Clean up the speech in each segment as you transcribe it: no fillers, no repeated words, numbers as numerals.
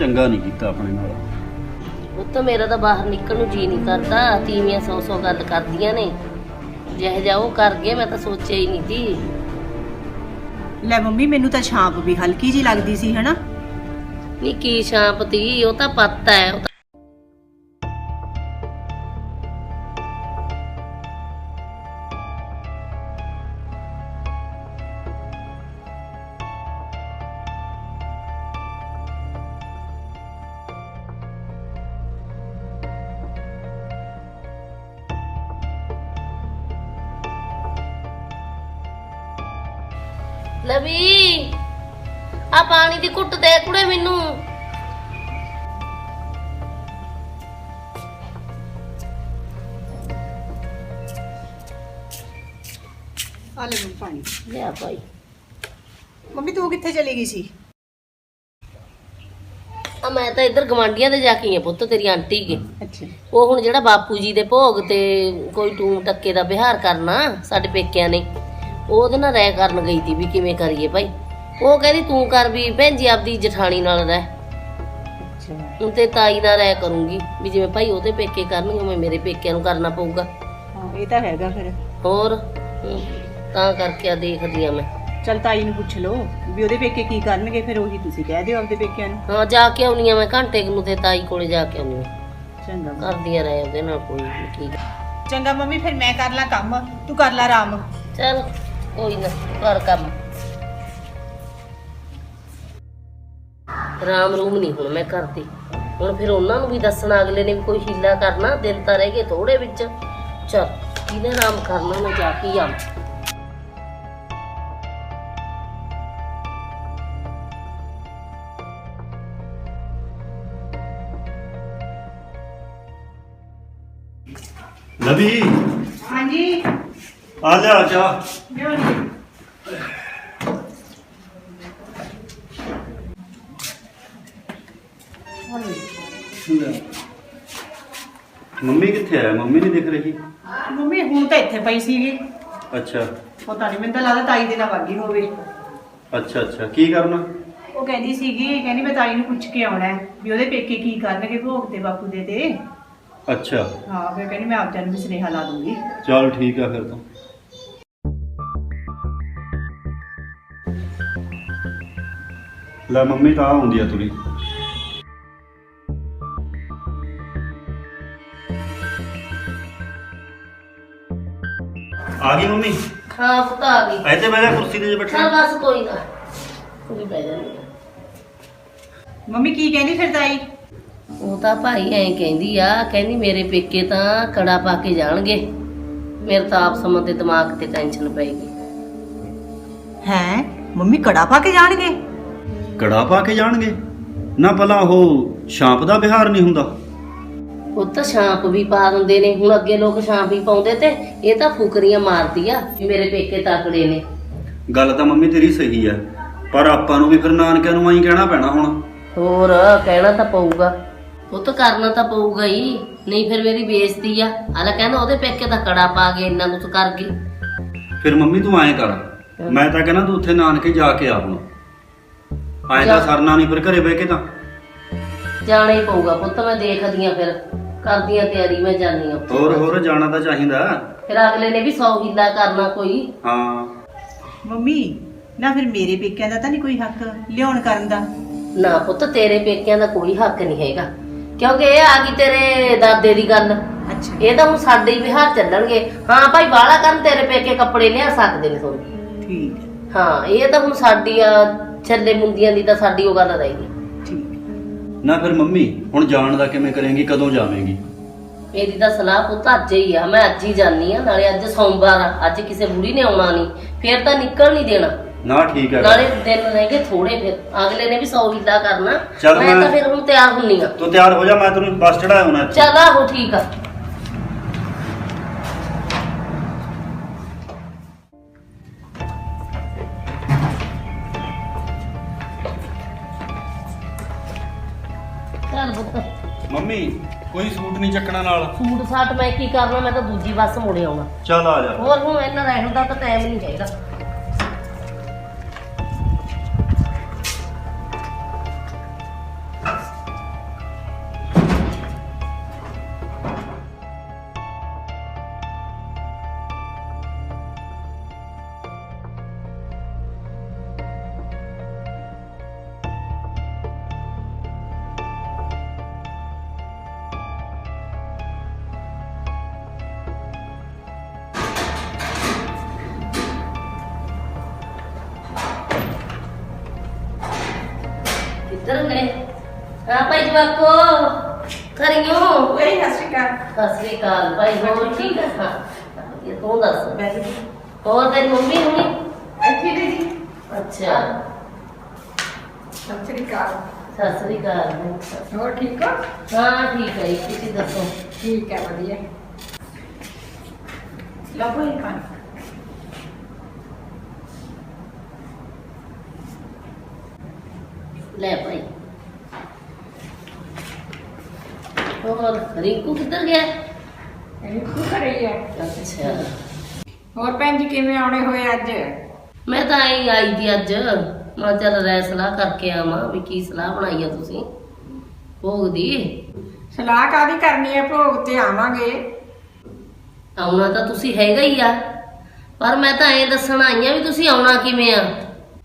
ਚੰਗਾ ਨਹੀਂ ਕੀਤਾ ਆਪਣੇ ਨਾਲ। ਪੁੱਤ ਮੇਰਾ ਤਾਂ ਬਾਹਰ ਨਿਕਲਣ ਨੂੰ ਜੀ ਨਹੀਂ ਕਰਦਾ। ਤੀਵੀਆਂ 100 ਗੱਲ ਕਰਦੀਆਂ ਨੇ। ਜਿਹੋ ਜਿਹਾ ਉਹ ਕਰ ਗਏ ਮੈਂ ਤਾਂ ਸੋਚਿਆ ਹੀ ਨਹੀਂ ਸੀ। ਲੈ ਮੰਮੀ ਮੈਨੂੰ ਤਾਂ ਛਾਂਪ ਵੀ ਹਲਕੀ ਜੀ ਲੱਗਦੀ ਸੀ ਹਨਾ। ਨੀ ਕੀ ਛਾਂਪ ਤੀ, ਉਹ ਤਾਂ ਪੱਤਾ ਹੈ। ਲਵੀ ਆ ਪਾਣੀ ਦੀ ਘੁੱਟ ਦੇ ਕੁੜੇ ਮੈਨੂੰ। ਆ ਲੈ ਪਾਣੀ। ਲਿਆ ਭਾਈ। ਮੰਮੀ ਤੂੰ ਕਿੱਥੇ ਚਲੀ ਗਈ ਸੀ? ਆ ਮੈਂ ਤਾਂ ਇੱਧਰ ਗਵਾਂਢੀਆਂ ਦੇ ਜਾ ਕੇ ਆਈ ਆ ਪੁੱਤ, ਤੇਰੀ ਆਂਟੀ ਕੇ। ਅੱਛਾ। ਉਹ ਹੁਣ ਜਿਹੜਾ ਬਾਪੂ ਜੀ ਦੇ ਭੋਗ ਤੇ ਕੋਈ ਟੂਮ ਟੱਕੇ ਦਾ ਵਿਹਾਰ ਕਰਨਾ ਸਾਡੇ ਪੇਕਿਆਂ ਨੇ, ਉਹਦੇ ਨਾਲ ਰਹਿ ਕਰਨ ਗਈ ਤੀ ਵੀ ਕਿਵੇਂ ਕਰੀਏ ਭਾਈ। ਉਹ ਕਹਿੰਦੀ ਤੂੰ ਕਰ ਵੀ ਭੈਣ ਜੀ ਆਪਦੀ ਜਠਾਣੀ ਨਾਲ ਰਹਿ। ਅੱਛਾ। ਹੁਣ ਤੇ ਤਾਈ ਨਾਲ ਰਹਿ ਕਰੂੰਗੀ ਵੀ ਜਿਵੇਂ ਭਾਈ ਉਹਦੇ ਪੇਕੇ ਕਰਨਗੇ ਉਵੇਂ ਮੇਰੇ ਪੇਕਿਆਂ ਨੂੰ ਕਰਨਾ ਪਊਗਾ। ਹਾਂ ਇਹ ਤਾਂ ਹੈਗਾ ਫਿਰ। ਹੋਰ ਤਾਂ ਕਰਕੇ ਆ ਦੇਖਦੀ ਆ ਮੈਂ। ਚਲ ਤਾਈ ਨੂੰ ਪੁੱਛ ਲਓ ਵੀ ਉਹਦੇ ਪੇਕੇ ਕੀ ਕਰਨਗੇ, ਫਿਰ ਉਹੀ ਤੁਸੀਂ ਕਹਿ ਦਿਓ ਆਪਦੇ ਪੇਕਿਆਂ ਨੂੰ। ਹਾਂ ਜਾ ਕੇ ਆਉਣੀ ਆ ਮੈਂ ਘੰਟੇ ਕੁ ਨੂੰ ਤੇ ਤਾਈ ਕੋਲੇ ਜਾ ਕੇ ਆਉਣੀ ਆ। ਚੰਗਾ ਕਰਦੀਆਂ ਰਹੇ ਉਹਦੇ ਨਾਲ ਕੋਈ ਨੀ, ਠੀਕ ਆ। ਚੰਗਾ ਮੰਮੀ ਫਿਰ ਮੈਂ ਕਰ ਲਾਂ ਕੰਮ, ਤੂੰ ਕਰ ਲੈ ਆਰਾਮ। ਚੱਲ ਕੋਈ ਨਾ ਕਰ ਕੰਮ। ਰਾਮ ਰੂਮ ਨਹੀਂ ਹੁਣ ਮੈਂ ਕਰਦੀ। ਹੁਣ ਫਿਰ ਉਹਨਾਂ ਨੂੰ ਵੀ ਦੱਸਣਾ ਅਗਲੇ ਨੇ ਵੀ ਕੋਈ ਹੀਲਾ ਕਰਨਾ। ਦਿਨ ਤਾਂ ਰਹਿ ਗਏ ਥੋੜੇ ਵਿੱਚ। ਚੱਲ ਕਿਹਨੇ ਆਰਾਮ ਕਰਨਾ, ਮੈਂ ਜਾ ਕੇ ਆ। ਲਵੀ ਹਾਂਜੀ ਆ ਲਿਆ ਚਾਹ। ਮੰਮੀ ਕਿੱਥੇ ਆ? ਮੰਮੀ ਨਹੀਂ ਦਿਖ ਰਹੀ। ਮੰਮੀ ਹੁਣ ਤਾਂ ਇੱਥੇ ਪਈ ਸੀਗੀ। ਅੱਛਾ ਪਤਾ ਨਹੀਂ, ਮੈਨੂੰ ਤਾਂ ਲੱਗਦਾ ਤਾਈ ਦੇ ਨਾਲ ਵਾਗੀ ਹੋਵੇ। ਅੱਛਾ ਅੱਛਾ, ਕੀ ਕਰਨਾ? ਉਹ ਕਹਿੰਦੀ ਸੀਗੀ, ਕਹਿੰਦੀ ਮੈਂ ਤਾਈ ਨੂੰ ਪੁੱਛ ਕੇ ਆਉਣਾ ਹੈ ਵੀ ਉਹਦੇ ਪੇਕੇ ਕੀ ਕਰਨਗੇ ਭੋਗ ਤੇ ਬਾਪੂ ਦੇ ਤੇ। ਅੱਛਾ ਹਾਂ ਫਿਰ ਕਹਿੰਦੀ ਮੈਂ ਆਪ ਜਾਨ ਵੀ ਸੁਨੇਹਾ ਲਾ ਦੂੰਗੀ। ਚਲ ਠੀਕ ਆ ਫਿਰ ਤਾਂ। ਲੈ ਮੰਮੀ ਤਾਂ ਆਉਂਦੀ ਆ ਤੁਰੀ। ਆ ਗਈ ਮੰਮੀ? ਹਾਂ ਪੁੱਤ ਆ ਗਈ। ਇੱਥੇ ਬਹਿ ਜਾ ਕੁਰਸੀ ਤੇ ਜੇ ਚੱਲ ਬੈਠਾ। ਬਸ ਕੋਈ ਨਾ, ਕੋਈ ਬਹਿ ਜਾਂਦੀ ਆ। ਮੰਮੀ ਕੀ ਕਹਿੰਦੀ ਫਿਰ ਤਾਈ? ਉਹ ਤਾਂ ਭਾਈ ਐਂ ਕਹਿੰਦੀ ਆ, ਕਹਿੰਦੀ ਮੇਰੇ ਪੇਕੇ ਤਾਂ ਕੜਾ ਪਾ ਕੇ ਜਾਣਗੇ। ਮੇਰੇ ਤਾਂ ਆਪ ਸਮਾਂ ਤੇ ਦਿਮਾਗ ਤੇ ਟੈਨਸ਼ਨ ਪੈ ਗਈ। ਹੈ ਮੰਮੀ ਕੜਾ ਪਾ ਕੇ ਜਾਣਗੇ? ਕੜਾ ਪਾ ਕੇ ਜਾਣਗੇ? ਨਾ ਭਲਾ ਉਹ ਛਾਂਪ ਦਾ ਵਿਹਾਰ ਨਹੀਂ ਹੁੰਦਾ? ਉਹ ਤਾਂ ਛਾਂਪ ਵੀ ਪਾ ਦਿੰਦੇ ਨੇ। ਹੁਣ ਅੱਗੇ ਲੋਕ ਛਾਂਪ ਹੀ ਪਾਉਂਦੇ ਤੇ ਇਹ ਤਾਂ ਫੁਕਰੀਆਂ ਮਾਰਦੀ ਆ ਵੀ ਮੇਰੇ ਪੇਕੇ ਤਕੜੇ ਨੇ। ਗੱਲ ਤਾਂ ਮੰਮੀ ਤੇਰੀ ਸਹੀ ਆ, ਪਰ ਆਪਾਂ ਨੂੰ ਵੀ ਫਿਰ ਨਾਨਕਿਆਂ ਨੂੰ ਆਈ ਕਹਿਣਾ ਪੈਣਾ ਹੁਣ। ਹੋਰ ਕਹਿਣਾ ਤਾਂ ਪਊਗਾ। ਉਹ ਤਾਂ ਕਰਨਾ ਤਾਂ ਪਊਗਾ ਹੀ, ਨਹੀਂ ਫਿਰ ਮੇਰੀ ਬੇਇੱਜ਼ਤੀ ਆ। ਆਲਾ ਕਹਿੰਦਾ ਉਹਦੇ ਪੇਕੇ ਤਾਂ ਕੜਾ ਪਾ ਕੇ ਇੰਨਾ ਕੁਛ ਕਰ ਗਈ। ਫਿਰ ਮੰਮੀ ਤੂੰ ਐਂ ਕਰ, ਮੈਂ ਤਾਂ ਕਹਿੰਦਾ ਤੂੰ ਉੱਥੇ ਨਾਨਕੇ ਜਾ ਕੇ ਆ ਹੁਣ। ਐਂ ਤਾਂ ਸਰਨਾ ਨਹੀਂ ਫਿਰ ਘਰੇ ਬਹਿ ਕੇ ਤਾਂ। ਜਾਣਾ ਹੀ ਪਊਗਾ ਪੁੱਤ। ਮੈਂ ਦੇਖਦੀ ਆ ਫਿਰ, ਕਰਦੀ ਆ ਤਿਆਰੀ, ਮੈਂ ਜਾਣੀ ਆ। ਹੋਰ ਜਾਣਾ ਤਾਂ ਚਾਹੀਦਾ। ਫਿਰ ਅਗਲੇ ਨੇ ਵੀ 100 ਹੀਲਾ ਕਰਨਾ ਕੋਈ। ਹਾਂ ਮੰਮੀ ਨਾ ਫਿਰ ਮੇਰੇ ਪੇਕਿਆਂ ਦਾ ਤਾਂ ਨਹੀਂ ਕੋਈ ਹੱਕ ਲਿਆਉਣ ਕਰਨ ਦਾ? ਨਾ ਪੁੱਤ ਤੇਰੇ ਪੇਕਿਆਂ ਦਾ ਕੋਈ ਹੱਕ ਨਹੀਂ ਹੈਗਾ, ਕਿਉਂਕਿ ਇਹ ਆ ਗਈ ਤੇਰੇ ਦਾਦੇ ਦੀ ਗੱਲ। ਅੱਛਾ ਇਹ ਤਾਂ ਹੁਣ ਸਾਡੇ ਹੀ ਵਿਹਾਰ ਚੱਲਣਗੇ। ਹਾਂ ਭਾਈ ਬਾਹਲਾ ਕਰਨ ਤੇਰੇ ਪੇਕੇ ਕੱਪੜੇ ਲਿਆ ਸਕਦੇ ਨੇ ਤੁਹਾਨੂੰ। ਠੀਕ ਹੈ। ਹਾਂ ਇਹ ਤਾਂ ਹੁਣ ਸਾਡੀ ਆ ਛੱਲੇ ਮੁੰਦੀਆਂ ਦੀ ਤਾਂ ਸਾਡੀ ਉਹ ਗੱਲ ਰਹੇਗੀ। ਠੀਕ। ਨਾ ਫਿਰ ਮੰਮੀ ਹੁਣ ਜਾਣ ਦਾ ਕਿਵੇਂ ਕਰੇਂਗੀ? ਕਦੋਂ ਜਾਵੇਂਗੀ? ਮੇਰੀ ਤਾਂ ਸਲਾਹ ਪੁੱਤ ਅੱਜ ਹੀ ਆ। ਮੈਂ ਅੱਜ ਹੀ ਜਾਨੀ ਆ। ਨਾਲੇ ਅੱਜ ਸੋਮਵਾਰ ਆ, ਅੱਜ ਕਿਸੇ ਬੁੜੀ ਨੇ ਆਉਣਾ ਨਹੀਂ, ਫੇਰ ਤਾਂ ਨਿਕਲ ਨਹੀਂ ਦੇਣਾ। ਨਾ ਠੀਕ ਹੈ। ਨਾਲੇ ਦਿਨ ਰਹਿ ਗਏ ਥੋੜੇ, ਫਿਰ ਅਗਲੇ ਨੇ ਵੀ 100 ਹੀਲਾ ਕਰਨਾ। ਚੱਲ ਮੈਂ ਤਾਂ ਫਿਰ ਹੁਣ ਤਿਆਰ ਹੁੰਨੀ ਆ। ਤੂੰ ਤਿਆਰ ਹੋ ਜਾ, ਮੈਂ ਤੈਨੂੰ ਬੱਸ ਚੜਾਇਆ ਹੋਣਾ। ਚੱਲ ਆਹੋ ਠੀਕ ਆ। ਚੱਲ ਪੁੱਤ। ਮੰਮੀ ਕੋਈ ਸੂਟ ਨਹੀਂ ਚੱਕਣਾ ਨਾਲ? ਸੂਟ ਸਾਟ ਮੈਂ ਕੀ ਕਰਨਾ, ਮੈਂ ਤਾਂ ਦੂਜੀ ਬੱਸ ਮੁੜੇ ਆਉਣਾ। ਚੱਲ ਆ ਜਾ। ਹੋਰ ਹੁਣ ਇਹਨਾਂ ਰਹਿਣ ਦਾ ਤਾਂ ਟਾਈਮ ਨਹੀਂ ਹੈਗਾ। ਹਾਂ ਭਾਈ ਜਵਾਕੋ ਕਰਿਓ ਓਏ ਸਤਿ ਸ਼੍ਰੀ ਅਕਾਲ। ਸਤਿ ਸ੍ਰੀ ਅਕਾਲ ਭਾਈ ਹੋਰ ਠੀਕ ਆ ਹਾਂ ਇਹ ਤੂੰ ਦੱਸ ਹੋਰ ਤੇਰੀ ਮੰਮੀ ਹੁਣੀ ਇੱਥੇ ਜੀ। ਅੱਛਾ ਸਤਿ ਸ਼੍ਰੀ ਅਕਾਲ। ਸਤਿ ਸ੍ਰੀ ਅਕਾਲ ਹੋਰ ਠੀਕ ਹੋ? ਹਾਂ ਠੀਕ ਹੈ ਜੀ, ਤੁਸੀਂ ਦੱਸੋ ਠੀਕ ਹੈ ਵਧੀਆ। ਲਓ ਭਾਈ ਪਾਣੀ। ਲੈ ਭਾਈ ਹੋਰ ਰਿੰਕੂ ਕਿੱਧਰ ਗਿਆ ਰਿੰਕੂ ਘਰੇ ਹੀ ਹੈ। ਅੱਛਾ ਹੋਰ ਭੈਣ ਜੀ ਕਿਵੇਂ ਆਉਣੇ ਹੋਏ ਅੱਜ? ਮੈਂ ਤਾਂ ਆਈ ਦੀ ਅੱਜ ਮੈਂ ਚੱਲ ਰਹਿ ਸਲਾਹ ਕਰਕੇ ਆਵਾਂ ਵੀ ਕੀ ਸਲਾਹ ਬਣਾਈ ਆ ਤੁਸੀਂ ਭੋਗ ਦੀ। ਸਲਾਹ ਕਾਹਦੀ ਕਰਨੀ ਹੈ? ਭੋਗ ਤੇ ਆਵਾਂਗੇ। ਆਉਣਾ ਤਾਂ ਤੁਸੀਂ ਹੈਗਾ ਹੀ ਆ ਪਰ ਮੈਂ ਤਾਂ ਐਂ ਦੱਸਣ ਆਈ ਆ ਵੀ ਤੁਸੀਂ ਆਉਣਾ ਕਿਵੇਂ ਆ।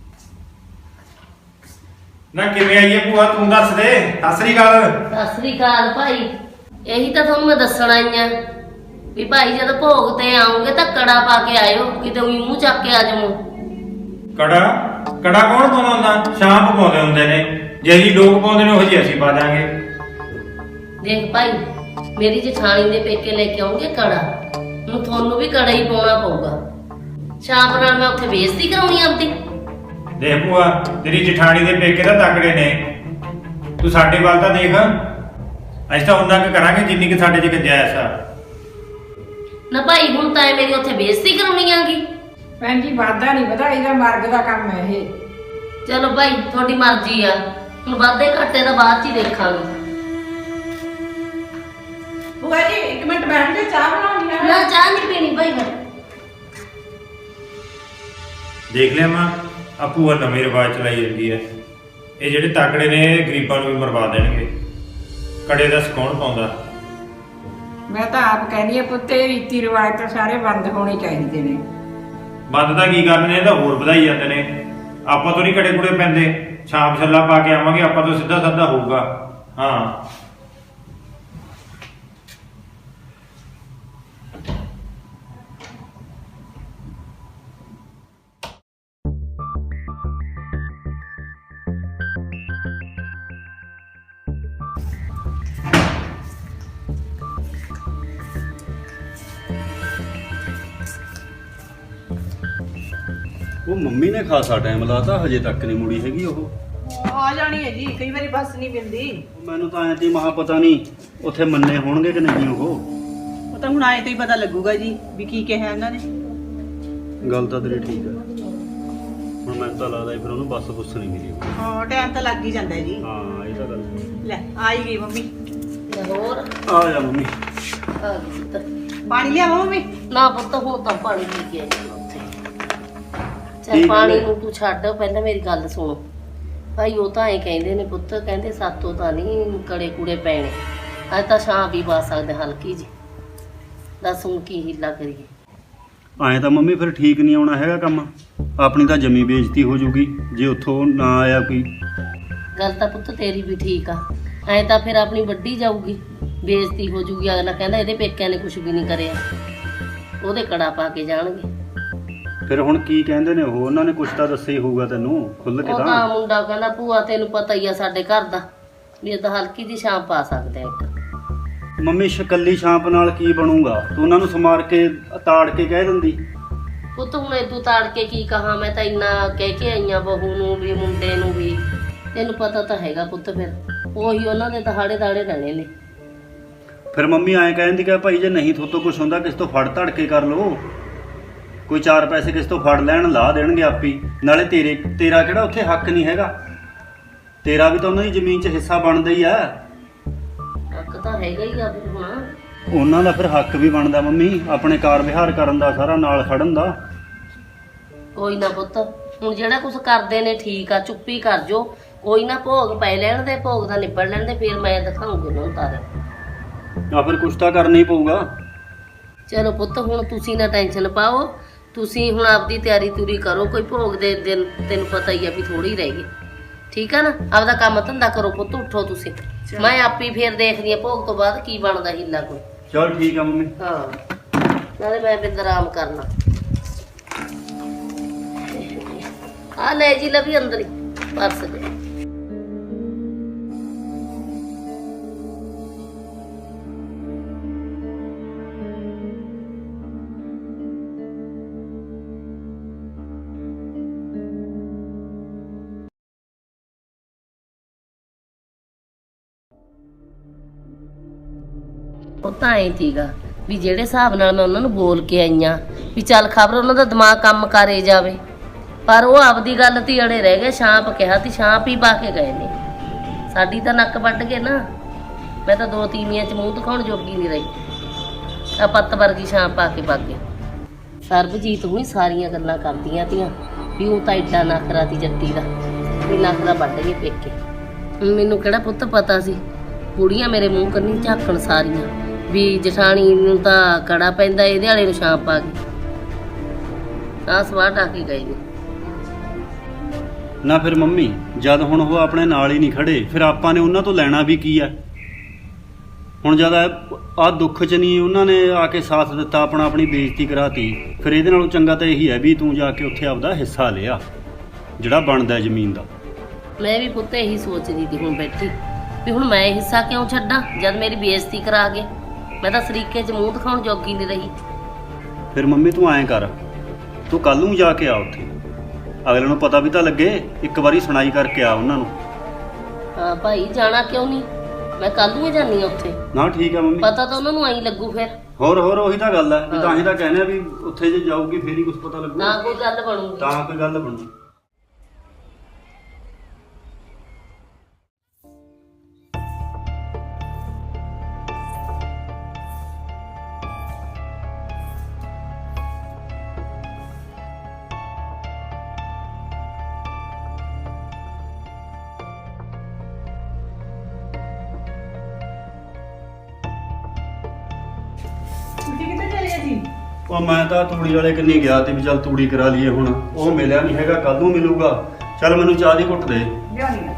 ਨਾ ਕਿਵੇਂ ਆਈਏ ਭੂਆ ਤੂੰ ਦੱਸ ਦੇ। ਸਤਿ ਸ੍ਰੀ ਅਕਾਲ। ਸਤਿ ਸ੍ਰੀ ਅਕਾਲ ਭਾਈ। ਇਹੀ ਤਾਂ ਤੁਹਾਨੂੰ ਮੈਂ ਦੱਸਣ ਆਈ ਆ ਵੀ ਭਾਈ ਜਦ ਭੋਗ ਤੇ ਆਉਂਗੇ ਤਾਂ ਕੜਾ ਪਾ ਕੇ ਆਇਓ, ਕਿਤੇ ਉਹੀ ਮੂੰਹ ਚੱਕ ਕੇ ਆ ਜਾਵੋ। ਕੜਾ ਕੜਾ ਕੌਣ ਪਾਉਂਦਾ ਹੁੰਦਾ? ਸ਼ਾਂਪ ਪਾਉਂਦੇ ਹੁੰਦੇ ਨੇ, ਜੇ ਜੀ ਲੋਕ ਪਾਉਂਦੇ ਨੇ ਉਹ ਜੀ ਅਸੀਂ ਪਾ ਦਾਂਗੇ। ਦੇਖ ਭਾਈ ਮੇਰੀ ਜਠਾਣੀ ਦੇ ਪੇਕੇ ਲੈ ਕੇ ਆਉਂਗੇ ਕੜਾ, ਹੁਣ ਤੁਹਾਨੂੰ ਵੀ ਕੜਾ ਹੀ ਪਾਉਣਾ ਪਊਗਾ। ਸ਼ਾਮ ਨਾਲ ਮੈਂ ਉੱਥੇ ਬੇਇੱਜ਼ਤੀ ਕਰਾਉਣੀ ਆਪਦੀ। ਦੇਖ ਭੂਆ ਤੇਰੀ ਜਠਾਣੀ ਦੇ ਪੇਕੇ ਤਾਂ ਤਕੜੇ ਨੇ, ਤੂੰ ਸਾਡੇ ਵੱਲ ਤਾਂ ਦੇਖ। ਅਸੀਂ ਤਾਂ ਉਹਨਾਂ ਕੁ ਕਰਾਂਗੇ ਜਿੰਨੀ ਕਿ ਸਾਡੇ 'ਚ ਗੁੰਜਾਇਸ਼ ਆ। ਨਾ ਭਾਈ ਹੁਣ ਤਾਂ ਮੇਰੀ ਉੱਥੇ ਬੇਇੱਜ਼ਤੀ ਕਰਾਉਣੀ ਆਗੀ। ਭੈਣ ਜੀ ਵਾਦਾ ਨਹੀਂ ਵਧਾਈ ਦਾ ਮਰਗ ਦਾ ਕੰਮ ਹੈ ਇਹ। ਚਲੋ ਭਾਈ ਤੁਹਾਡੀ ਮਰਜ਼ੀ ਆ, ਹੁਣ ਵਾਧੇ ਘਾਟੇ ਦਾ ਬਾਅਦ 'ਚ ਹੀ ਦੇਖਾਂਗੇ। ਬੁਆ ਜੀ 1 ਮਿੰਟ ਬੈਠ ਕੇ ਚਾਹ ਬਣਾਉਣੀ ਹੈ। ਨਾ ਚਾਹ ਨਹੀਂ ਪੀਣੀ ਭਾਈ ਮੈਂ। ਦੇਖ ਲਿਆ ਮਾਂ ਆ ਭੂਆ ਨਵੇਂ ਰਿਵਾਜ ਚਲਾਈ ਜਾਂਦੀ ਹੈ। ਇਹ ਜਿਹੜੇ ਤਕੜੇ ਨੇ ਇਹ ਗਰੀਬਾਂ ਨੂੰ ਵੀ ਮਰਵਾ ਦੇਣਗੇ। ਕੜੇ ਦਾ ਕੌਣ ਪਾਉਂਦਾ? ਮੈਂ ਤਾਂ ਆਪ ਕਹਿੰਦੀ ਆ ਪੁੱਤ ਇਹ ਰੀਤੀ ਰਿਵਾਜ ਤਾਂ ਸਾਰੇ ਬੰਦ ਹੋਣੇ ਚਾਹੀਦੇ ਨੇ। ਬੰਦ ਤਾਂ ਕੀ ਕਰਦੇ ਨੇ, ਇਹ ਤਾਂ ਹੋਰ ਵਧਾਈ ਜਾਂਦੇ ਨੇ। ਆਪਾਂ ਤੋਂ ਨਹੀਂ ਕੜੇ ਕੁੜੇ ਪੈਂਦੇ, ਛਾਪ ਛੱਲਾ ਪਾ ਕੇ ਆਵਾਂਗੇ, ਆਪਾਂ ਤੋਂ ਸਿੱਧਾ ਸਾਦਾ ਹੋਊਗਾ। ਹਾਂ ਉਹ ਮੰਮੀ ਨੇ ਖਾਸਾ ਟਾਈਮ ਲਾਤਾ, ਹਜੇ ਤੱਕ ਨਹੀਂ ਮੁੜੀ ਹੈਗੀ ਉਹ। ਆ ਜਾਣੀ ਹੈ ਜੀ, ਕਈ ਵਾਰੀ ਬੱਸ ਨਹੀਂ ਮਿਲਦੀ। ਮੈਨੂੰ ਤਾਂ ਐਂ ਤੀ ਮਹਾ ਪਤਾ ਨਹੀਂ ਉੱਥੇ ਮੰਨੇ ਹੋਣਗੇ ਕਿ ਨਹੀਂ ਉਹ। ਉਹ ਤਾਂ ਹੁਣ ਆਏ ਤੋਂ ਹੀ ਪਤਾ ਲੱਗੂਗਾ ਜੀ ਵੀ ਕੀ ਕਿਹਾ ਇਹਨਾਂ ਨੇ। ਗੱਲ ਤਾਂ ਤੇਰੀ ਠੀਕ ਹੈ, ਹੁਣ ਮੈਨੂੰ ਤਾਂ ਲੱਗਦਾ ਫਿਰ ਉਹਨੂੰ ਬੱਸ ਬੁੱਸ ਨਹੀਂ ਮਿਲੀ। ਹਾਂ ਟਾਈਮ ਤਾਂ ਲੱਗ ਹੀ ਜਾਂਦਾ ਜੀ। ਹਾਂ ਇਹ ਤਾਂ ਗੱਲ ਲੈ ਆ ਹੀ ਗਈ ਮੰਮੀ। ਹੋਰ ਆ ਜਾ ਮੰਮੀ। ਆ ਗਈ ਪੁੱਤ। ਪਾਣੀ ਲਿਆਵਾਂ ਮੰਮੀ? ਨਾ ਪੁੱਤ ਹੁਣ ਤਾਂ ਪਾਣੀ ਪੀ ਕੇ ਆਈ ਹਾਂ ਉੱਥੇ। ਚੱਲ ਠੀਕ ਪਾਣੀ ਹੈ। ਨੂੰ ਤੂੰ ਛੱਡ, ਪਹਿਲਾਂ ਮੇਰੀ ਗੱਲ ਸੁਣ ਭਾਈ। ਉਹ ਤਾਂ ਐਂ ਕਹਿੰਦੇ ਨੇ ਪੁੱਤ, ਕਹਿੰਦੇ ਸਾਤੋਂ ਤਾਂ ਨਹੀਂ ਕੜੇ ਕੁੜੇ ਪੈਣੇ, ਅੱਜ ਤਾਂ ਛਾਂ ਵੀ ਪਾ ਸਕਦੇ ਹਲਕੀ ਜੀ। ਦੱਸ ਹੁਣ ਕੀ ਹੀਲਾ ਕਰੀਏ। ਐਂ ਤਾਂ ਮੰਮੀ ਫਿਰ ਠੀਕ ਨਹੀਂ ਆਉਣਾ ਹੈਗਾ ਕੰਮ, ਆਪਣੀ ਤਾਂ ਜਮੀ ਬੇਇੱਜ਼ਤੀ ਹੋ ਜੂਗੀ ਜੇ ਉੱਥੋਂ ਨਾ ਆਇਆ ਕੋਈ। ਗੱਲ ਤਾਂ ਪੁੱਤ ਤੇਰੀ ਵੀ ਠੀਕ ਆ, ਐਂ ਤਾਂ ਫਿਰ ਆਪਣੀ ਵੱਡੀ ਜਾਊਗੀ, ਬੇਇੱਜ਼ਤੀ ਹੋ ਜੂਗੀ। ਅਗਲਾ ਕਹਿੰਦਾ ਇਹਦੇ ਪੇਕਿਆਂ ਨੇ ਕੁਝ ਵੀ ਨਹੀਂ ਕਰਿਆ, ਉਹਦੇ ਕੜਾ ਪਾ ਕੇ ਜਾਣਗੇ। ਫਿਰ ਹੁਣ ਕੀ ਕਹਿੰਦੇ ਨੇ ਉਹ? ਉਹਨਾਂ ਨੇ ਕੁਛ ਤਾਂ ਦੱਸਿਆ ਹੀ ਹੋਊਗਾ ਤੈਨੂੰ ਖੁੱਲ ਕੇ ਉਹ ਤਾਂ। ਤਾਂ ਮੁੰਡਾ ਕਹਿੰਦਾ ਭੂਆ ਤੈਨੂੰ ਪਤਾ ਹੀ ਆ ਸਾਡੇ ਘਰ ਦਾ, ਵੀ ਇਹ ਤਾਂ ਹਲਕੀ ਦੀ ਛਾਂ ਪਾ ਸਕਦੇ ਆ ਇੱਕ। ਮੰਮੀ ਸ਼ਕੱਲੀ ਛਾਂਪ ਨਾਲ ਕੀ ਬਣੂਗਾ? ਤੂੰ ਉਹਨਾਂ ਨੂੰ ਸਮਾਰ ਕੇ ਤਾੜ ਕੇ ਕਹਿ ਦਿੰਦੀ। ਪੁੱਤ ਹੁਣ ਇਦੋਂ ਤਾੜ ਕੇ ਕੀ ਕਹਾਂ, ਮੈਂ ਤਾਂ ਇੰਨਾ ਕਹਿ ਕੇ ਆਈਆਂ ਬਹੂ ਨੂੰ ਵੀ ਮੁੰਡੇ ਨੂੰ ਵੀ। ਤੈਨੂੰ ਪਤਾ ਤਾਂ ਹੈਗਾ ਪੁੱਤ, ਫਿਰ ਉਹੀ ਉਹਨਾਂ ਦੇ ਦਹਾੜੇ ਦਾੜੇ ਰਹਿਣੇ ਨੇ। ਫਿਰ ਮੰਮੀ ਐਂ ਕਹਿੰਦੀ ਕਿ ਭਾਈ ਜੇ ਨਹੀਂ ਥੋਤੋਂ ਕੁਛ ਹੁੰਦਾ ਕਿਸ ਤੋਂ ਫੜ ਧੜ ਕੇ ਕਰ ਲੋ, ਕੋਈ 4 ਪੈਸੇ ਕਿਸ ਤੋਂ ਫੜ ਲੈਣ, ਲਾ ਦੇਣਗੇ ਆਪੀ। ਨਾਲੇ ਤੇਰਾ ਕਿਹੜਾ ਉੱਥੇ ਹੱਕ ਨਹੀਂ ਹੈਗਾ, ਤੇਰਾ ਵੀ ਤਾਂ ਉਹਨਾਂ ਦੀ ਜ਼ਮੀਨ 'ਚ ਹਿੱਸਾ ਬਣਦਾ ਹੀ ਆ। ਹੱਕ ਤਾਂ ਹੈਗਾ ਹੀ ਆ ਫਿਰ ਹੁਣ। ਉਹਨਾਂ ਦਾ ਫਿਰ ਹੱਕ ਵੀ ਬਣਦਾ ਮੰਮੀ, ਆਪਣੇ ਕਾਰ ਵਿਹਾਰ ਕਰਨ ਦਾ, ਸਾਰਾ ਨਾਲ ਖੜਨ ਦਾ। ਕੋਈ ਨਾ ਪੁੱਤ, ਹੁਣ ਜਿਹੜਾ ਕੁਝ ਕਰਦੇ ਨੇ ਠੀਕ ਆ, ਚੁੱਪੀ ਕਰ ਜੋ। ਕੋਈ ਨਾ ਭੋਗ ਪੈ ਲੈਣ ਦੇ, ਭੋਗ ਦਾ ਨਿਬੜ ਲੈਣ ਦੇ, ਫਿਰ ਮੈਂ ਦਿਖਾਉਂਗੀ ਉਹਨਾਂ ਨੂੰ ਤਾਰੇ। ਆ ਫਿਰ ਕੁਛ ਤਾਂ ਕਰਨਾ ਹੀ ਪਊਗਾ। ਚਲੋ ਪੁੱਤ ਹੁਣ ਤੁਸੀਂ ਨਾ ਟੈਨਸ਼ਨ ਪਾਓ, ਤੁਸੀਂ ਹੁਣ ਆਪਦੀ ਤਿਆਰੀ ਤੁਰੀ ਕਰੋ। ਕੋਈ ਭੋਗ ਦੇ ਦਿਨ ਤੈਨੂੰ ਪਤਾ ਹੀ ਆ ਵੀ ਥੋੜੀ ਰਹਿ ਗਈ, ਠੀਕ ਆ ਨਾ? ਆਪਦਾ ਕੰਮ ਧੰਦਾ ਕਰੋ ਪੁੱਤ, ਉੱਠੋ ਤੁਸੀਂ। ਮੈਂ ਆਪੀ ਫੇਰ ਦੇਖਦੀ ਆ ਭੋਗ ਤੋਂ ਬਾਅਦ ਕੀ ਬਣਦਾ ਹੀਲਾ ਕੋਈ। ਚਲ ਠੀਕ ਆ ਮੰਮੀ। ਹਾਂ ਨਾਲੇ ਮੈਂ ਬਿੰਦ ਆਰਾਮ ਕਰਨਾ। ਆ ਲੈ ਜੀ ਲਵੀ ਅੰਦਰ ਹੀ ਪਰਸ ਦੇ। ਉਹ ਤਾਂ ਐਂ ਸੀਗਾ ਵੀ ਜਿਹੜੇ ਹਿਸਾਬ ਨਾਲ ਮੈਂ ਉਹਨਾਂ ਨੂੰ ਬੋਲ ਕੇ ਆਈਆਂ ਵੀ ਚੱਲ ਖਬਰ ਉਹਨਾਂ ਦਾ ਦਿਮਾਗ ਕੰਮ ਕਰੇ ਜਾਵੇ, ਪਰ ਉਹ ਆਪਦੀ ਗੱਲ ਤੇ ਅੜੇ ਰਹਿ ਗਏ। ਛਾਂਪ ਕਿਹਾ ਤੀ, ਛਾਂਪ ਹੀ ਪਾ ਕੇ ਗਏ ਨੇ। ਸਾਡੀ ਤਾਂ ਨੱਕ ਵੱਢ ਗਏ ਨਾ। ਮੈਂ ਤਾਂ 2 ਤੀਵੀਆਂ 'ਚ ਮੂੰਹ ਦਿਖਾਉਣ ਜੋਗੀ ਨਹੀਂ ਰਹੀ। ਆ ਪੱਤ ਵਰਗੀ ਛਾਂਪ ਪਾ ਕੇ ਵਗ ਗਏ। ਸਰਬਜੀਤ ਹੁਣੀ ਸਾਰੀਆਂ ਗੱਲਾਂ ਕਰਦੀਆਂ ਤੀਆਂ ਵੀ ਉਹ ਤਾਂ ਐਡਾ ਨਖਰਾ ਤੀ ਜੱਟੀ ਦਾ, ਵੀ ਨਖਰਾ ਵੱਢ ਗਏ ਪੇਕੇ। ਹੁਣ ਮੈਨੂੰ ਕਿਹੜਾ ਪੁੱਤ ਪਤਾ ਸੀ, ਕੁੜੀਆਂ ਮੇਰੇ ਮੂੰਹ ਕੰਨੀ ਝਾਕਣ ਸਾਰੀਆਂ ਵੀ ਜਠਾਣੀ ਨੂੰ ਤਾਂ ਕੜਾ ਪੈਂਦਾ, ਇਹਦੇ ਵਾਲੇ ਨੂੰ ਛਾਂਪ ਪਾ ਗਈ। ਆਹ ਸਵਾਹ ਢਾ ਕੇ ਗਏ ਨੇ। ਨਾ ਫਿਰ ਮੰਮੀ, ਜਦ ਹੁਣ ਉਹ ਆਪਣੇ ਨਾਲ ਹੀ ਨਹੀਂ ਖੜੇ, ਫਿਰ ਆਪਾਂ ਨੇ ਉਹਨਾਂ ਤੋਂ ਲੈਣਾ ਵੀ ਕੀ ਆ? ਹੁਣ ਜਦ ਆਹ ਦੁੱਖ 'ਚ ਨਹੀਂ ਉਹਨਾਂ ਨੇ ਆ ਕੇ ਸਾਥ ਦਿੱਤਾ, ਆਪਣੀ ਬੇਇੱਜ਼ਤੀ ਕਰਾਤੀ, ਫਿਰ ਇਹਦੇ ਨਾਲੋਂ ਚੰਗਾ ਤਾਂ ਇਹੀ ਹੈ ਵੀ ਤੂੰ ਜਾ ਕੇ ਉੱਥੇ ਆਪਦਾ ਹਿੱਸਾ ਲਿਆ ਜਿਹੜਾ ਬਣਦਾ ਜ਼ਮੀਨ ਦਾ। ਮੈਂ ਵੀ ਪੁੱਤ ਇਹੀ ਸੋਚਦੀ ਸੀ ਹੁਣ ਬੈਠੀ ਵੀ ਹੁਣ ਮੈਂ ਹਿੱਸਾ ਕਿਉਂ ਛੱਡਾਂ ਜਦ ਮੇਰੀ ਬੇਇੱਜ਼ਤੀ ਕਰਾ ਗਏ। ਮੈਂ ਤਾਂ ਸਰੀਕੇ 'ਚ ਮੂੰਹ ਦਿਖਾਉਣ ਜੋਗੀ ਨਹੀਂ ਰਹੀ। ਫਿਰ ਮੰਮੀ ਤੂੰ ਐਂ ਕਰ, ਤੂੰ ਕੱਲ ਨੂੰ ਜਾ ਕੇ ਆ ਉੱਥੇ, ਅਗਲੇ ਨੂੰ ਪਤਾ ਵੀ ਤਾਂ ਲੱਗੇ, ਇੱਕ ਵਾਰੀ ਸੁਣਾਈ ਕਰਕੇ ਆ ਉਹਨਾਂ ਨੂੰ। ਹਾਂ ਭਾਈ, ਜਾਣਾ ਕਿਉਂ ਨਹੀਂ, ਮੈਂ ਕੱਲ ਨੂੰ ਹੀ ਜਾਨੀ ਆ ਉੱਥੇ। ਨਾ ਠੀਕ ਆ ਮੰਮੀ, ਪਤਾ ਤਾਂ ਉਹਨਾਂ ਨੂੰ ਆਈ ਲੱਗੂ ਫਿਰ। ਹੋਰ ਉਹੀ ਤਾਂ ਗੱਲ ਹੈ ਵੀ ਤਾਂ ਹੀ ਤਾਂ ਕਹਿੰਦੇ ਆ ਵੀ ਉੱਥੇ ਜੇ ਜਾਊਗੀ ਫੇਰ ਹੀ ਕੁਝ ਪਤਾ ਲੱਗੂ, ਨਾ ਕੋਈ ਗੱਲ ਬਣੂਗੀ। ਤਾਂ ਕੋਈ ਗੱਲ ਬਣੂ। ਤੁਸੀਂ ਕਿੱਥੇ ਚਲੇ ਜੀ? ਉਹ ਮੈਂ ਤਾਂ ਤੂੜੀ ਵਾਲੇ ਕੰਨੀ ਗਿਆ ਤੇ ਵੀ ਚੱਲ ਤੂੜੀ ਕਰਾ ਲਈਏ, ਹੁਣ ਉਹ ਮਿਲਿਆ ਨਹੀਂ ਹੈਗਾ, ਕੱਲ ਨੂੰ ਮਿਲੂਗਾ। ਚੱਲ ਮੈਨੂੰ ਚਾਹ ਦੀ ਘੁੱਟ ਦੇ। ਲਿਆਉਣੀ ਆ।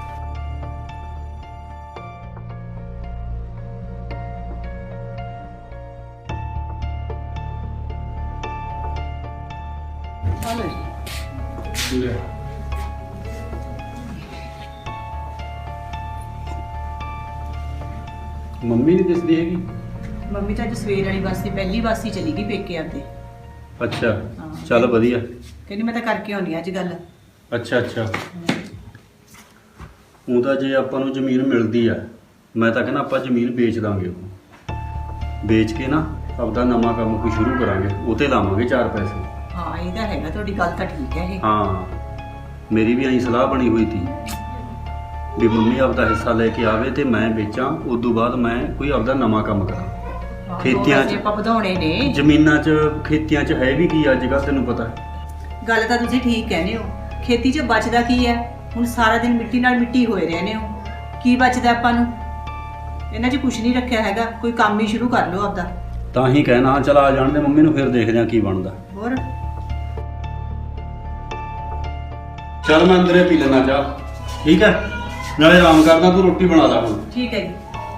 ਮੰਮੀ ਨਹੀਂ ਦਿਸਦੀ ਹੈਗੀ? ਮੰਮੀ ਤਾਂ ਅੱਜ ਸਵੇਰ ਵਾਲੀ ਬੱਸ ਸੀ, ਪਹਿਲੀ ਬੱਸ ਹੀ ਚਲੀ ਗਈ ਪੇਕੇ ਆਂਦੇ। ਅੱਛਾ, ਚੱਲ ਵਧੀਆ। ਕਹਿੰਦੀ ਮੈਂ ਤਾਂ ਕਰਕੇ ਆਉਣੀ ਅੱਜ ਗੱਲ। ਅੱਛਾ ਉਹ ਤਾਂ ਜੇ ਆਪਾਂ ਨੂੰ ਜ਼ਮੀਨ ਮਿਲਦੀ ਆ, ਮੈਂ ਤਾਂ ਕਹਿੰਦਾ ਆਪਾਂ ਜ਼ਮੀਨ ਵੇਚ ਦਾਂਗੇ। ਉਹ ਵੇਚ ਕੇ ਨਾ ਆਪਦਾ ਨਵਾਂ ਕੰਮ ਕੋਈ ਸ਼ੁਰੂ ਕਰਾਂਗੇ, ਉਹ ਤੇ ਲਾਵਾਂਗੇ 4 ਪੈਸੇ। ਹਾਂ ਇਹ ਤਾਂ ਹੈਗਾ, ਤੁਹਾਡੀ ਗੱਲ ਤਾਂ ਠੀਕ ਹੈ ਇਹ। ਹਾਂ, ਮੇਰੀ ਵੀ ਐਂ ਸਲਾਹ ਬਣੀ ਹੋਈ ਸੀ ਵੀ ਮੰਮੀ ਆਪਦਾ ਹਿੱਸਾ ਲੈ ਕੇ ਆਵੇ ਤੇ ਮੈਂ ਵੇਚਾਂ, ਉਸ ਤੋਂ ਬਾਅਦ ਮੈਂ ਕੋਈ ਆਪਦਾ ਨਵਾਂ ਕੰਮ ਕਰਾਂ। ਖੇਤੀਆਂ 'ਚ ਆਪਾਂ ਵਧਾਉਣੇ ਨੇ, ਜ਼ਮੀਨਾਂ 'ਚ ਖੇਤੀਆਂ 'ਚ ਹੈ ਵੀ ਕੀ ਅੱਜ ਕੱਲ੍ਹ, ਤੈਨੂੰ ਪਤਾ। ਗੱਲ ਤਾਂ ਤੁਸੀਂ ਠੀਕ ਕਹਿੰਦੇ ਹੋ। ਖੇਤੀ 'ਚ ਬਚਦਾ ਕੀ ਹੈ? ਹੁਣ ਸਾਰਾ ਦਿਨ ਮਿੱਟੀ ਨਾਲ ਮਿੱਟੀ ਹੋਏ ਰਹਿੰਦੇ ਹੋ, ਕੀ ਬਚਦਾ ਆਪਾਂ ਨੂੰ? ਇਹਨਾਂ 'ਚ ਕੁਝ ਨਹੀਂ ਰੱਖਿਆ ਹੈਗਾ, ਕੋਈ ਕੰਮ ਹੀ ਸ਼ੁਰੂ ਕਰ ਲਓ ਆਪਦਾ। ਤਾਂ ਹੀ ਕਹਿਣਾ, ਚਲ ਆ ਜਾਣ ਦੇ ਮੰਮੀ ਨੂੰ, ਫਿਰ ਦੇਖਦੇ ਆ ਕੀ ਬਣਦਾ। ਹੋਰ ਚੱਲ ਮੈਂ ਅੰਦਰੇ ਪੀ ਲੈਣਾ ਚਾਹ, ਠੀਕ ਹੈ? ਨਾਲੇ ਆਰਾਮ ਕਰਦਾ, ਤੂੰ ਰੋਟੀ ਬਣਾ ਲੈ ਹੁਣ। ਠੀਕ ਹੈ ਜੀ।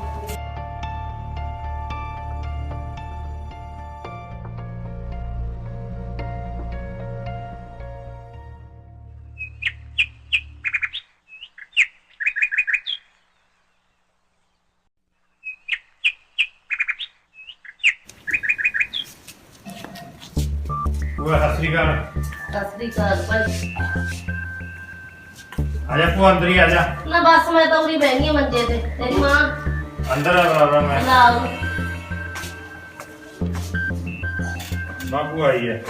ਭੂਆ ਸਤਿ ਸ੍ਰੀ ਅਕਾਲ। ਸਤਿ ਸ੍ਰੀ ਅਕਾਲ ਭਾਈ। ਆ ਜਾ ਭੂਆ, ਅੰਦਰ ਹੀ ਆ ਜਾ। ਨਾ ਬਸ ਮੈਂ ਤਾਂ ਉਰੀ ਬਹਿ ਗਈ ਮੰਜੇ ਤੇ। ਤੇਰੀ ਮਾਂ ਅੰਦਰ ਆ ਬਰਾਬਰ ਮੈਂ। ਲਾਉ। ਬਾਪੂ ਆਈ ਹੈ।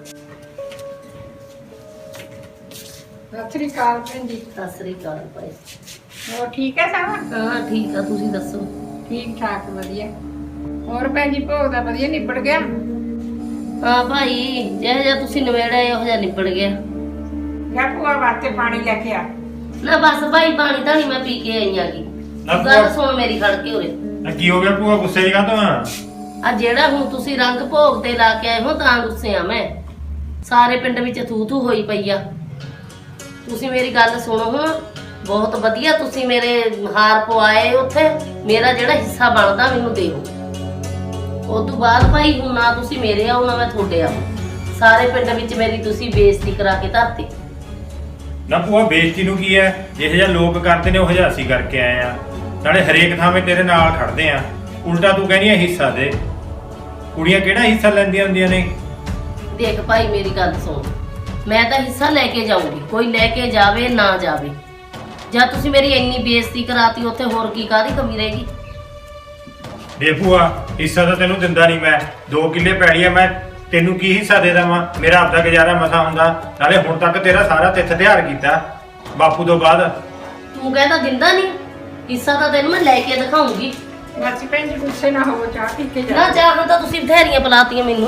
ਸਤਿ ਸ੍ਰੀ ਅਕਾਲ ਭੈਣ ਜੀ। ਸਤਿ ਸ੍ਰੀ ਅਕਾਲ ਭਾਈ। ਹੋਰ ਠੀਕ ਹੈ ਸਭ? ਹਾਂ ਠੀਕ ਆ, ਤੁਸੀਂ ਦੱਸੋ? ਠੀਕ ਠਾਕ ਵਧੀਆ। ਹੋਰ ਭੈਣ ਜੀ ਭੋਗ ਦਾ ਵਧੀਆ ਨਿਬੜ ਗਿਆ? ਹਾਂ ਭਾਈ, ਜਿਹੋ ਜਿਹਾ ਤੁਸੀਂ ਨਵੇੜਾ ਇਹੋ ਜਿਹਾ ਨਿਬੜ ਗਿਆ। ਜਾਂ ਭੂਆ ਵਾਸਤੇ ਪਾਣੀ ਲੈ ਕੇ ਆ। ਨਾ ਬਸ ਭਾਈ, ਪਾਣੀ ਧਾਣੀ ਮੈਂ ਪੀ ਕੇ ਆਈ ਆਗੀ। ਨਾ ਗੱਲ ਭੂਆ- ਸੁਣ ਮੇਰੀ, ਖੜ ਕੇ ਉਰੇ। ਨਾ ਕੀ ਹੋ ਗਿਆ ਭੂਆ, ਗੁੱਸੇ ਦੀ ਕਾਹਤੋਂ ਆ? ਆ ਜਿਹੜਾ ਹੁਣ ਤੁਸੀਂ ਰੰਗ ਭੋਗ ਤੇ ਲਾ ਕੇ ਆਏ ਹੋ ਤਾਂ ਗੁੱਸੇ ਆ ਮੈਂ। ਸਾਰੇ ਪਿੰਡ ਵਿੱਚ ਥੂ ਥੂ ਹੋਈ ਪਈ ਆ। ਤੁਸੀਂ ਮੇਰੀ ਗੱਲ ਸੁਣੋ ਹੁਣ, ਬਹੁਤ ਵਧੀਆ ਤੁਸੀਂ ਮੇਰੇ ਹਾਰ ਪਵਾਏ ਉੱਥੇ। ਮੇਰਾ ਜਿਹੜਾ ਹਿੱਸਾ ਬਣਦਾ ਮੈਨੂੰ ਦਿਓ। ਉਸ ਤੋਂ ਬਾਅਦ ਭਾਈ ਹੁਣ ਨਾ ਤੁਸੀਂ ਮੇਰੇ ਆਓ ਨਾ ਮੈਂ ਤੁਹਾਡੇ ਆਓ। ਸਾਰੇ ਪਿੰਡ ਵਿੱਚ ਮੇਰੀ ਤੁਸੀਂ ਬੇਇੱਜ਼ਤੀ ਕਰਾ ਕੇ ਧਰਤੀ। ਨਾ ਭੂਆ ਬੇਇੱਜ਼ਤੀ ਨੂੰ ਕੀ ਹੈ? ਜਿਹੋ ਜਿਹਾ ਲੋਕ ਕਰਦੇ ਨੇ ਉਹ ਜਿਹਾ ਅਸੀਂ ਕਰਕੇ ਆਏ ਆ। ਨਾਲੇ ਹਰੇਕ ਥਾਂ 'ਤੇ ਤੇਰੇ ਨਾਲ ਖੜਦੇ ਆ, ਉਲਟਾ ਤੂੰ ਕਹਿੰਦੀ ਆ ਹਿੱਸਾ ਦੇ। ਕੁੜੀਆਂ ਕਿਹੜਾ ਹਿੱਸਾ ਲੈਂਦੀਆਂ ਹੁੰਦੀਆਂ ਨੇ? ਦੇਖ ਭਾਈ ਮੇਰੀ ਗੱਲ ਸੁਣ, ਮੈਂ ਤਾਂ ਹਿੱਸਾ ਲੈ ਕੇ ਜਾਊਂਗੀ, ਕੋਈ ਲੈ ਕੇ ਜਾਵੇ ਨਾ ਜਾਵੇ। ਜਾਂ ਤੁਸੀਂ ਮੇਰੀ ਇੰਨੀ ਬੇਇੱਜ਼ਤੀ ਕਰਾਤੀ ਉੱਥੇ ਹੋਰ ਕੀ ਕਾਹਦੀ ਕਮੀ ਰਹੇਗੀ। ਦੇ ਭੂਆ ਹਿੱਸਾ ਤਾਂ ਤੈਨੂੰ ਦਿੰਦਾ ਨਹੀਂ ਮੈਂ 2 ਕਿੱਲੇ ਪੈੜੀ ਆ ਮੈਂ ਤੈਨੂੰ ਕੀ ਹਿੱਸਾ ਦੇ ਦੇਵਾਂ ਮੇਰਾ ਆਪਦਾ ਗੁਜ਼ਾਰਾ ਮਸਾ ਹੁੰਦਾ ਨਾਲੇ ਹੁਣ ਤੱਕ ਤੇਰਾ ਸਾਰਾ ਤਿੱਥ ਤਿਉਹਾਰ ਕੀਤਾ ਬਾਪੂ ਤੋਂ ਬਾਅਦ ਤੂੰ ਕਹਿੰਦਾ ਦਿੰਦਾ ਨਹੀਂ ਹਿੱਸਾ ਤਾਂ ਤੈਨੂੰ ਮੈਂ ਲੈ ਕੇ ਦਿਖਾਉਂਗੀ। ਮਾਸੀ ਭੈਣ ਜੀ ਗੁੱਸੇ ਨਾ ਹੋਵੋ ਚਾਹ ਪੀ ਕੇ ਨਾ ਜਾ ਚਾਹਾਂ ਤਾਂ ਤੁਸੀਂ ਬਥੇਰੀਆਂ ਪਲਾਤੀਆਂ ਮੈਨੂੰ।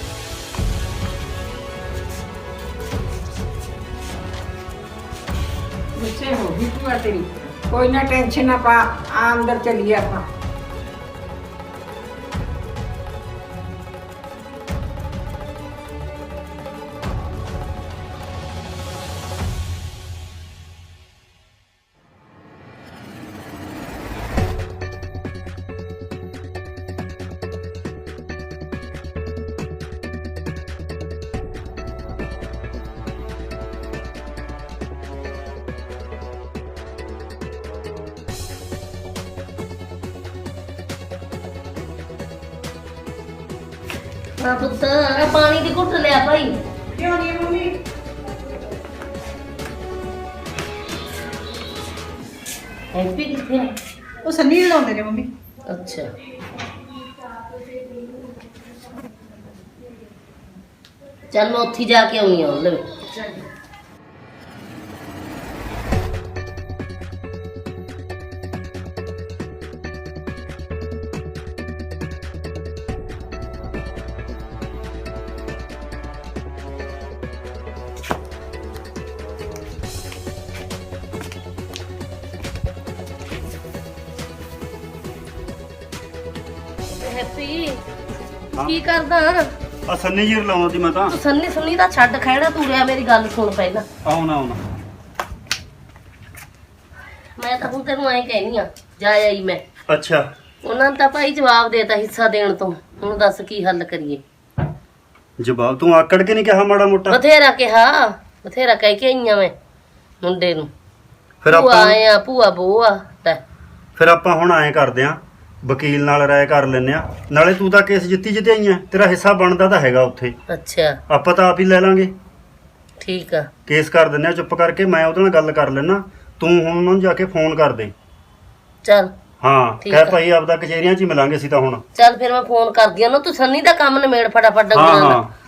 ਗੁੱਸੇ ਹੋ ਗਈ ਭੂਆ ਤੇਰੀ ਕੋਈ ਨਾ ਟੈਨਸ਼ਨ ਨਾ ਪਾ ਆ ਅੰਦਰ ਚੱਲੀਏ ਆਪਾਂ। ਹਾਂ ਪੁੱਤ ਆਹ ਪਾਣੀ ਦੀ ਘੁੱਟ ਲਿਆ ਭਾਈ। ਕਿਉਂ ਨਹੀਂ ਮੰਮੀ? ਹੈਪੀ ਕਿੱਥੇ ਆ? ਉਹ ਸੰਨੀ ਲਾਉਂਦੇ ਨੇ ਮੰਮੀ। ਅੱਛਾ ਚੱਲ ਮੈਂ ਉੱਥੇ ਜਾ ਕੇ ਆਉਣੀ ਆ ਉਹਦੇ ਵਿੱਚ। ਹੈਪੀ ਕੀ ਕਰਦਾ ਆ ਸੰਨੀ ਜੀ ਲਾਉਣਾ ਸੀ ਮੈਂ ਤਾਂ। ਤੂੰ ਸੰਨੀ ਸੁਣੀ ਦਾ ਛੱਡ ਖਹਿੜਾ ਤੂੰ ਰਿਆ ਮੇਰੀ ਗੱਲ ਸੁਣ ਪਹਿਲਾਂ। ਆਉਣਾ ਮੈਂ ਤਾਂ ਹੁਣ ਤੈਨੂੰ ਐਂ ਕਹਿਨੀ ਆ ਜਾ ਆਈ ਮੈਂ। ਅੱਛਾ ਉਹਨਾਂ ਨੇ ਤਾਂ ਭਾਈ ਜਵਾਬ ਦੇਤਾ ਹਿੱਸਾ ਦੇਣ ਤੋਂ। ਹੁਣ ਦੱਸ ਕੀ ਹੱਲ ਕਰੀਏ। ਜਵਾਬ ਤੂੰ ਆਕੜ ਕੇ ਨਹੀਂ ਕਿਹਾ ਮਾੜਾ ਮੋਟਾ? ਬਥੇਰਾ ਕਿਹਾ ਬਥੇਰਾ ਕਹਿ ਕੇ ਆਈਆਂ ਮੈਂ ਮੁੰਡੇ ਨੂੰ। ਫਿਰ ਭੂਆ ਆਪਾਂ ਆਏ ਆ ਭੂਆ ਬੋਆ ਲੈ ਫਿਰ ਆਪਾਂ ਹੁਣ ਐਂ ਕਰਦੇ ਆਂ ਵਕੀਲ ਨਾਲ ਰਾਏ ਕਰ ਲੈਨੇ ਆ ਨਾਲੇ ਤੂੰ ਤਾਂ ਕੇਸ ਜਿੱਤੀ ਜਿੱਤਿਆਈ ਆ ਤੇਰਾ ਹਿੱਸਾ ਬਣਦਾ ਤਾਂ ਹੈਗਾ ਉੱਥੇ ਅੱਛਾ ਆਪਾਂ ਤਾਂ ਆਪ ਹੀ ਲੈ ਲਾਂਗੇ ਠੀਕ ਆ ਕੇਸ ਕਰ ਦਿੰਨੇ ਆ ਚੁੱਪ ਕਰਕੇ ਮੈਂ ਉਹਦੇ ਨਾਲ ਗੱਲ ਕਰ ਲੈਣਾ ਤੂੰ ਹੁਣ ਉਹਨਾਂ ਨੂੰ ਜਾ ਕੇ ਫੋਨ ਕਰ ਦੇ ਚੱਲ ਹਾਂ ਠੀਕ ਕਹਿ ਆ। ਭਾਈ ਆਪਦਾ ਕਚਹਿਰੀਆਂ 'ਚ ਹੀ ਮਿਲਾਂਗੇ ਅਸੀਂ ਤਾਂ ਹੁਣ ਚੱਲ ਫਿਰ ਮੈਂ ਫੋਨ ਕਰਦੀ ਆ ਨਾ ਤੂੰ ਸੰਨੀ ਦਾ ਕੰਮ ਨਿਮੇੜ ਫਟਾਫਟ ਹਾਂ ਡੰਗਰਾਂ ਦਾ। ਹਾਂ